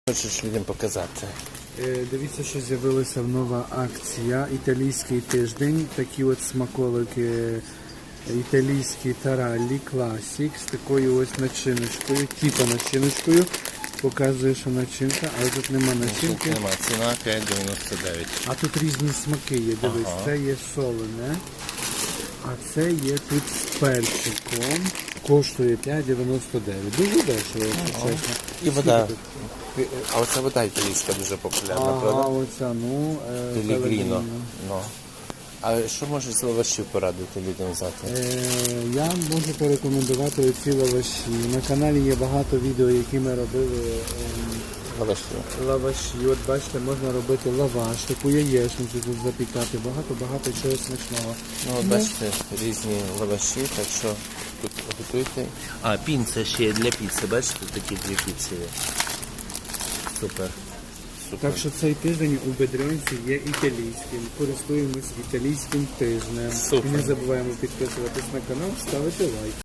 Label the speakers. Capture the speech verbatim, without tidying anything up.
Speaker 1: Хочеш людям показати?
Speaker 2: Е, Дивіться, що з'явилася нова акція. Італійський тиждень. Такі от смаколики італійські тараллі, класік з такою ось начиночкою, типа начиночкою. Показує, що начинка, але тут нема начинки.
Speaker 1: Нема, ціна п'ять дев'яносто дев'ять.
Speaker 2: А тут різні смаки є, дивись,
Speaker 1: Ага.
Speaker 2: це є солене, а це є тут з перчиком. Коштує п'ять дев'яносто дев'ять. Дуже дешево, якщо чесно.
Speaker 1: І вода.
Speaker 2: Скільки
Speaker 1: А оця вода італійська дуже популярна,
Speaker 2: тут? Ага,
Speaker 1: правда?
Speaker 2: оця, ну, е,
Speaker 1: Пелігріно.
Speaker 2: Пелегріно.
Speaker 1: Ну. А що можеш з лавашів порадити людям взяти?
Speaker 2: Е, Я можу порекомендувати оці лаваші. На каналі є багато відео, які ми робили ем,
Speaker 1: Лаваші.
Speaker 2: лаваші. От бачите, можна робити лаваш, таку яєчницю тут запікати, багато-багато чого смачного.
Speaker 1: Ну, от бачите, різні лаваші, так що тут готуйте. А, пінца ще є для піци, бачите, такі дві піци є. Супер. Супер.
Speaker 2: Так що цей тиждень у Бедрянці є італійським. Користуємось італійським тижнем.
Speaker 1: Супер.
Speaker 2: І не забуваємо підписуватись на канал, ставити лайк.